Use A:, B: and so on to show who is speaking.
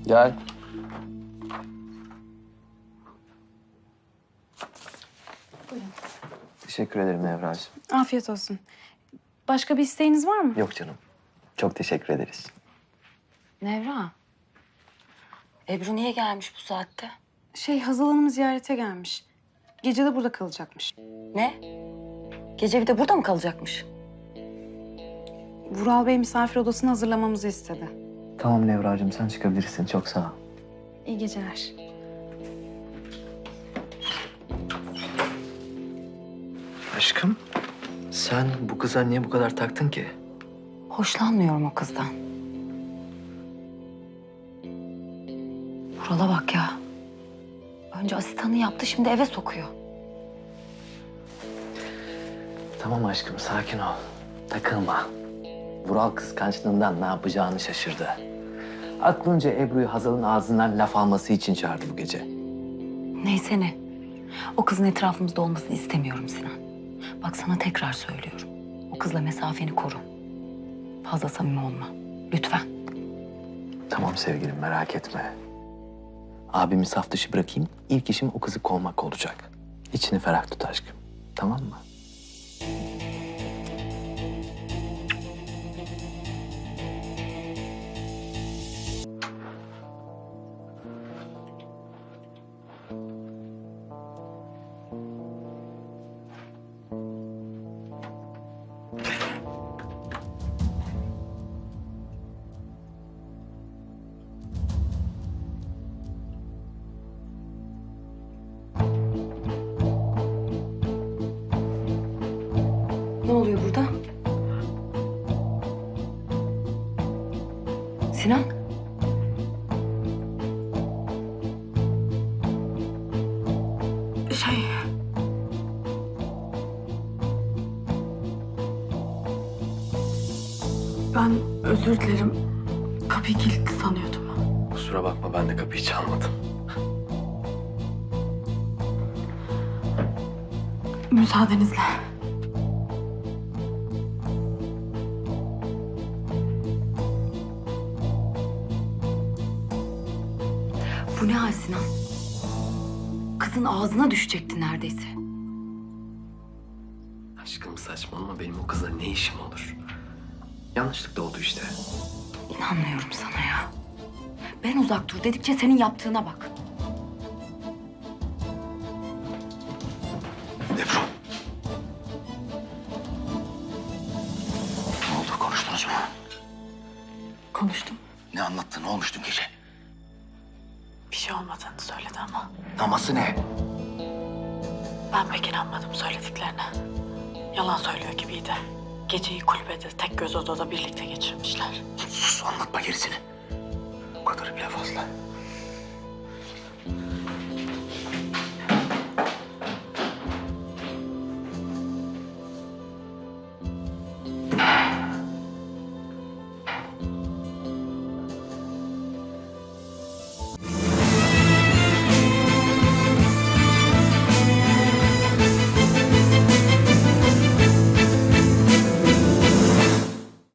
A: Gel.
B: Buyurun.
A: Teşekkür ederim Nevra'cığım.
B: Afiyet olsun. Başka bir isteğiniz var mı?
A: Yok canım. Çok teşekkür ederiz.
C: Nevra. Ebru niye gelmiş bu saatte?
B: Hazal Hanım ziyarete gelmiş. Gece de burada kalacakmış.
C: Ne? Gece bir de burada mı kalacakmış?
B: Vural Bey misafir odasını hazırlamamızı istedi.
A: Tamam Nevra'cığım, sen çıkabilirsin. Çok sağ ol.
B: İyi geceler.
A: Aşkım, sen bu kıza niye bu kadar taktın ki?
C: Hoşlanmıyorum o kızdan. Vural'a bak ya. Önce asistanı yaptı, şimdi eve sokuyor.
A: Tamam aşkım, sakin ol. Takılma. Vural kıskançlığından ne yapacağını şaşırdı. Aklınca Ebru'yu Hazal'ın ağzından laf alması için çağırdı bu gece.
C: Neyse ne. O kızın etrafımızda olmasını istemiyorum Sinan. Bak sana tekrar söylüyorum. O kızla mesafeni koru. Fazla samimi olma. Lütfen.
A: Tamam sevgilim, merak etme. Abimi saf dışı bırakayım, ilk işim o kızı kovmak olacak. İçini ferah tut aşkım, tamam mı?
C: Ne oluyor burada? Sinan?
D: Ben özür dilerim. Kapıyı kilitli sanıyordum.
A: Kusura bakma, ben de kapıyı çalmadım.
D: Müsaadenizle.
C: Bu ne hal Sinan? Kızın ağzına düşecekti neredeyse.
A: Aşkım saçmalama, benim o kızla ne işim olur? Yanlışlıkla oldu işte.
C: İnanmıyorum sana ya. Ben uzak dur dedikçe senin yaptığına bak.
E: Ebru. Ne oldu, konuştunuz mu?
D: Konuştum.
E: Ne anlattı, ne olmuş dün gece?
D: Bir şey olmadığını söyledi ama
E: Naması ne?
D: ben pek inanmadım söylediklerine. Yalan söylüyor gibiydi. Geceyi kulübede tek göz odada birlikte geçirmişler.
E: Sus, anlatma gerisini. Bu kadarı bile fazla.